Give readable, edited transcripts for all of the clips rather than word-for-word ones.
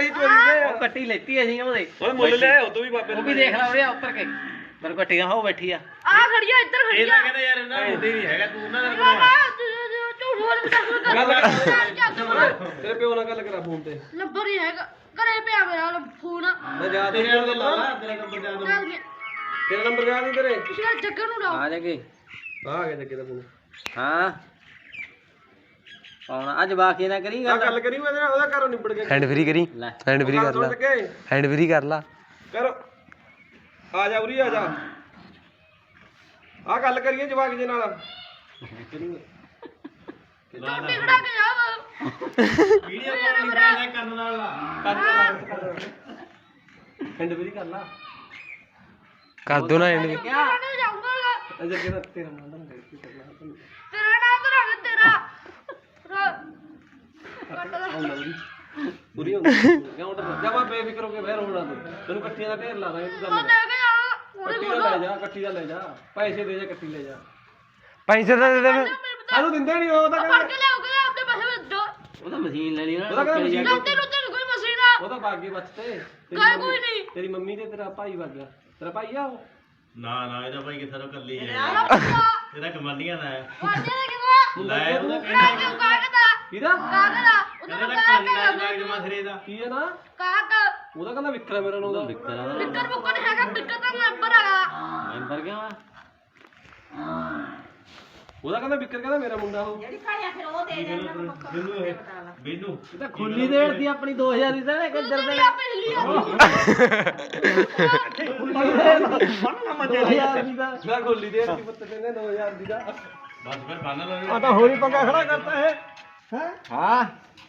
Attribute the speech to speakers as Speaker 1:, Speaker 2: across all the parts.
Speaker 1: ਕਹੀ ਚੋਰੀ ਦੇ
Speaker 2: ਉਹ ਕੱਟੀ ਲੈਤੀ ਅਸੀਂ ਉਹਦੇ
Speaker 1: ਓਏ ਮੁੱਲ ਲੈ ਉਹ ਤੋਂ ਵੀ ਬਾਬੇ
Speaker 2: ਉਹ ਵੀ ਦੇਖ ਲਾ ਉਹਦੇ ਉੱਪਰ ਕੇ ਮੇਰੇ ਕੱਟੀਆਂ ਹੋ ਬੈਠੀ ਆ
Speaker 3: ਆ ਖੜੀਆ ਇੱਧਰ ਖੜੀਆ
Speaker 4: ਇਹਦਾ ਕਹਿੰਦਾ ਯਾਰ ਇਹਨਾਂ ਨੂੰ ਨਹੀਂ ਹੈਗਾ ਤੂੰ ਉਹਨਾਂ ਦਾ
Speaker 3: ਝੂਠ ਬੋਲ
Speaker 1: ਤੇਰੇ ਪਿਓ ਨਾਲ ਗੱਲ ਕਰਾ ਫੋਨ ਤੇ
Speaker 3: ਨੰਬਰ ਹੀ ਹੈਗਾ ਘਰੇ ਪਿਆ ਮੇਰਾ ਫੋਨ
Speaker 1: ਮੈਂ ਜਾ ਦੇ
Speaker 4: ਤੇਰੇ ਨਾਲ ਲਾ ਤੇਰਾ ਨੰਬਰ ਜਾ ਦੋ
Speaker 1: ਤੇਰਾ ਨੰਬਰ ਯਾਦ ਨਹੀਂ ਤੇਰੇ
Speaker 3: ਤੁਸੀਂ ਜੱਗੇ ਨੂੰ ਲਾਓ
Speaker 2: ਆ ਜਾਗੇ
Speaker 1: ਆ ਗਿਆ ਜੱਗੇ ਦਾ ਫੋਨ
Speaker 2: ਹਾਂ ਪਾਉਣਾ ਅੱਜ ਬਾਕੀ ਨਾ ਕਰੀ
Speaker 1: ਆ ਗੱਲ ਕਰੀ ਉਹਦੇ ਨਾਲ ਉਹਦਾ ਘਰੋਂ ਨਿਬੜ ਗਿਆ
Speaker 5: ਹੈਂਡ ਫ੍ਰੀ ਕਰੀ
Speaker 2: ਲੈ
Speaker 5: ਹੈਂਡ ਫ੍ਰੀ ਕਰ ਲਾ ਹੈਂਡ ਫ੍ਰੀ ਕਰ ਲਾ
Speaker 1: ਕਰ ਆ ਜਾ ਉਰੀ ਆ ਜਾ ਆ ਗੱਲ ਕਰੀਏ ਜਵਾਕ ਜੇ ਨਾਲ
Speaker 3: ਟੋਟੀ ਖੜਾ ਕੇ ਜਾ
Speaker 4: ਵੀਡੀਓ ਕਾਲ ਨਹੀਂ ਕਰਨ ਨਾਲ ਲਾ
Speaker 1: ਹੈਂਡ ਫ੍ਰੀ ਕਰ ਲਾ
Speaker 5: ਕਰ ਦੋ ਨਾ ਹੈਂਡ
Speaker 3: ਕਿਆ ਨਹੀਂ ਜਾਊਂਗਾ
Speaker 1: ਅਜੇ ਕਿਹਦਾ ਤੇਰਾ ਨਾਮ ਕੀ ਕਰਨਾ
Speaker 3: ਤੇਰਾ ਨਾਮ ਤਾਂ ਰੱਖ ਤੇਰਾ
Speaker 1: ਪੂਰੀ ਹੁੰਦੀ ਕਿਉਂ ਡਰ ਜਾ ਮੈਂ ਬੇਫਿਕਰ ਹੋ ਕੇ ਬਹਿ ਰੋਣਾ ਤੈਨੂੰ ਕੱਟੀਆਂ ਦਾ ਢੇਰ ਲਾ ਦਾਂਗੇ ਤੂੰ
Speaker 3: ਉਹ
Speaker 1: ਗੱਲ
Speaker 3: ਲੈ ਕੇ ਜਾ ਉਹਨੇ
Speaker 1: ਕੱਟੀ ਦਾ ਲੈ ਜਾ ਕੱਟੀ ਦਾ ਲੈ ਜਾ ਪੈਸੇ ਦੇ ਜਾ ਕੱਟੀ ਲੈ ਜਾ
Speaker 5: ਪੈਸੇ ਤਾਂ ਦੇ ਦੇ
Speaker 1: ਸਾਨੂੰ ਦਿੰਦੇ ਨਹੀਂ ਉਹ ਤਾਂ
Speaker 3: ਫੜ ਕੇ ਲਿਆਓਗੇ ਆਪਦੇ ਪੈਸੇ ਵਿੱਚ ਦੋ
Speaker 2: ਉਹ ਤਾਂ ਮਸ਼ੀਨ ਲੈ ਲਈ ਨਾ
Speaker 1: ਉਹਦਾ ਕਹਿੰਦਾ ਮਸ਼ੀਨ
Speaker 3: ਲੱਤੇ ਲੁੱਤੇ ਕੋਈ ਮਸ਼ੀਨ ਆ
Speaker 1: ਉਹ ਤਾਂ ਬਾਗੇ ਬਚਤੇ
Speaker 3: ਕੋਈ ਨਹੀਂ
Speaker 1: ਤੇਰੀ ਮੰਮੀ ਤੇ ਤੇਰਾ ਭਾਈ ਵਗ ਗਿਆ ਤੇਰਾ ਭਾਈ ਆ ਉਹ
Speaker 4: ਨਾ ਇਹਦਾ ਭਾਈ ਕਿੱਥੇ ਤੋਂ ਕੱਲੀ ਹੈ
Speaker 3: ਆਲਾ ਪੱਕਾ
Speaker 4: ਇਹਦਾ ਕਮਾਲੀਆਂ ਦਾ ਹੈ
Speaker 3: ਵਾਜੇ ਦੇ ਕਿਦੋਂ
Speaker 4: ਲੈ ਉਹਦਾ
Speaker 3: ਕਿਹੜਾ ਕਿਉਂ ਕਾਗਦਾ
Speaker 1: ਕਿਹਦਾ
Speaker 3: ਕਾਗਦਾ ਉਹਦਾ
Speaker 4: ਕਹਿੰਦਾ
Speaker 3: ਕਾਗਦਾ
Speaker 4: ਕੰਨ ਜਮਾ ਸਿਰੇ ਦਾ
Speaker 1: ਕੀ ਹੈ ਨਾ
Speaker 3: ਕਾਗ
Speaker 1: ਉਹਦਾ ਕਹਿੰਦਾ ਵਿਕਰਾ ਮੇਰਾ ਨਾਮ ਦਾ
Speaker 3: ਬਿੱਕਰ ਬੁੱਕਰ ਹੈਗਾ ਬਿੱਕਰ ਦਾ ਨੰਬਰ ਹੈਗਾ
Speaker 2: ਮੈਂਬਰ ਕਿਉਂ ਆ
Speaker 1: ਉਹਦਾ ਕਹਿੰਦਾ ਵਿਕਰ ਕਹਿੰਦਾ ਮੇਰਾ ਮੁੰਡਾ ਉਹ
Speaker 4: ਬਿੰਨੂ ਬਿੰਨੂ
Speaker 2: ਇਹ ਤਾਂ ਖੁੱਲੀ ਦੇੜਦੀ ਆਪਣੀ 2000 ਦੀ ਤਾਂ ਕਿੱਧਰ ਦੇ
Speaker 3: ਲਿਆ ਪਹਿਲੀ ਆ
Speaker 2: 2000 ਦੀ ਤਾਂ
Speaker 1: ਮੈਂ ਗੋਲੀ ਦੇ ਦਿੱਤੀ ਪੁੱਤ ਕਹਿੰਦੇ 2000 ਦੀ ਦਾ
Speaker 4: ਬਸ ਫਿਰ ਬੰਨ ਲਓ
Speaker 1: ਤਾਂ ਹੋਰੀ ਪੰਗਾ ਖੜਾ ਕਰਤਾ ਹੈ
Speaker 2: ਹਾਂ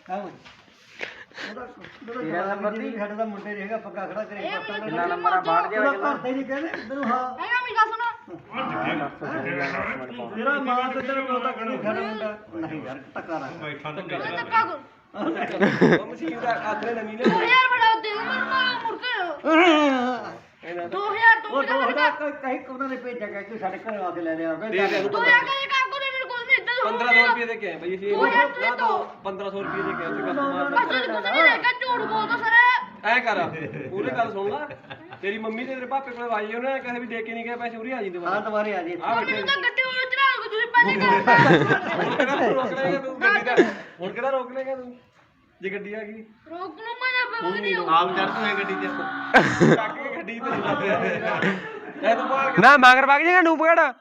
Speaker 6: ਤੇਰਾ ਨੰਬਰ ਨਹੀਂ ਸਾਡੇ ਦਾ ਮੁੰਡੇ ਰਹੇਗਾ ਪੱਕਾ ਖੜਾ ਕਰੇ
Speaker 2: ਕਿੰਨਾ ਨੰਬਰ ਆ ਬਾੜ ਗਿਆ
Speaker 6: ਘਰ ਦੇ ਨਹੀਂ ਕਹਿੰਦੇ ਤੈਨੂੰ ਹਾਂ
Speaker 3: ਹੈਗਾ ਮੇਰਾ ਸੁਣੋ
Speaker 6: ਤੇਰਾ ਮਾਂ ਤੇ ਤੇਰਾ ਪਿਓ ਤਾਂ ਖੜਾ ਮੁੰਡਾ ਨਹੀਂ ਯਾਰ ਟੱਕਾ ਰਾ
Speaker 4: ਬੈਠਾ ਤਾਂ
Speaker 3: ਮੈਂ ਧੱਕਾ ਕਰ
Speaker 1: ਉਹ ਮਸ਼ੀਨ ਦਾ ਆਥਰੇ ਨਵੀਂ ਨੇ
Speaker 3: 2000 ਬੜਾ ਦੇ ਮੈਨੂੰ ਮਾਰ ਮੁੜ ਕੇ 2000 ਤੋਂ
Speaker 6: ਉਹ ਦੋਹਦਾ ਕਹੀਂ ਕੋਨਾਂ ਨੇ ਭੇਜਿਆ ਕਿ ਸਾਡੇ ਘਰ ਆ ਕੇ ਲੈ ਲਿਆ
Speaker 1: ਦੇ ਦੇ ਇਹਨੂੰ
Speaker 3: 2000 ਕਰੇ ਕੰਮ ਕੋਨੇ ਮੇਰੇ ਕੋਲ ਨਹੀਂ ਇੱਦਾਂ
Speaker 1: 1500 ਰੁਪਏ ਦੇ ਕੇ ਆਏ ਬਈ ਅਸੀਂ
Speaker 3: ਉਹ ਯਾਰ ਤੂੰ
Speaker 1: ਨਾ
Speaker 3: ਤਾਂ
Speaker 1: 1500 ਰੁਪਏ ਦੇ ਕੇ ਆਏ ਕਸਟਮਰ
Speaker 3: ਬਸ ਕੁਝ ਨਹੀਂ ਦੇਖਿਆ ਝੂਠ ਬੋਲਦਾ ਸਰ
Speaker 1: ਐ ਕਰ ਪੂਰੀ ਗੱਲ ਸੁਣ ਲੈ ਤੇਰੀ ਮੰਮੀ ਤੇ ਤੇਰੇ ਪਾਪੇ ਕੋਲ ਵਾਜੀ ਉਹਨੇ ਕਹੇ ਵੀ ਦੇ ਕੇ ਨਹੀਂ ਗਏ ਪੈਸੇ ਉਰੀ ਆ ਜੀ
Speaker 6: ਹਾਂ
Speaker 1: ਦੁਬਾਰਾ
Speaker 6: ਦੁਬਾਰੇ ਆ ਜੀ
Speaker 1: ਆ ਬੈਠੇ
Speaker 3: ਮੈਨੂੰ ਤਾਂ ਗੱਡੀ ਵਿੱਚ ਚੜਾ ਲਓ ਤੁਸੀਂ ਪਹਿਲੇ
Speaker 1: ਹੁਣ ਕਿਹੜਾ ਰੋਕ ਲੇਗਾ ਤੂੰ ਗੱਡੀ ਦਾ ਹੁਣ ਕਿਹੜਾ ਰੋਕ ਲੇਗਾ ਤੂੰ ਜੇ ਗੱਡੀ ਆ ਗਈ
Speaker 3: ਰੋਕ ਨੂੰ ਮੈਂ ਨਹੀਂ
Speaker 4: ਆਪ ਚੜ ਤੂੰ ਗੱਡੀ ਤੇ
Speaker 1: ਚੱਕ ਕੇ ਗੱਡੀ ਤੇ ਐ ਤੂੰ ਬਾਹਰ
Speaker 5: ਨਾ ਮਗਰ ਵਗ ਜਾਏਗਾ ਨੂਪਗੜ
Speaker 1: ਹਾਂ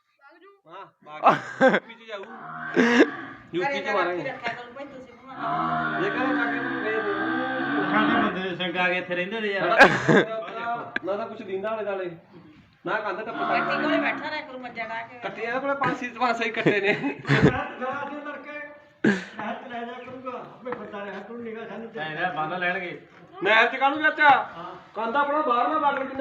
Speaker 1: ਬਾਕੀ ਯੂਪੀ ਚ ਜਾਊ ਯੂਪੀ ਚ ਮਾਰਾਂਗੇ ਜੇ ਕਰੇ ਜਾ ਕੇ ਤੂੰ ਗਏ
Speaker 4: ਸਾਡੇ ਬੰਦੇ ਸੰਗਾ ਕੇ ਇੱਥੇ ਰਹਿੰਦੇ ਨੇ ਯਾਰ
Speaker 1: ਨਾ ਤਾਂ ਕੁਛ ਦਿੰਦਾ ਵਾਲੇ ਦਾਲੇ ਨਾ ਕੰਧ ਟੱਪ ਕੱਟੀ ਕੋਲੇ ਬੈਠਾ ਰਹਿ ਕਰੂ ਮੱਜਾ ਡਾ ਕੇ ਕੱਟੇ ਇਹਨਾਂ ਕੋਲੇ 5 6 ਕੱਟੇ ਨੇ
Speaker 4: ਐ ਬੰਨ ਲੈਣਗੇ
Speaker 1: ਨਹਿਰ ਚ ਕਾਹਨੂੰ ਚਾਚਾ ਕੰਧ ਆਪਣਾ ਬਾਹਰ ਨਾ ਬਾਰਡਰ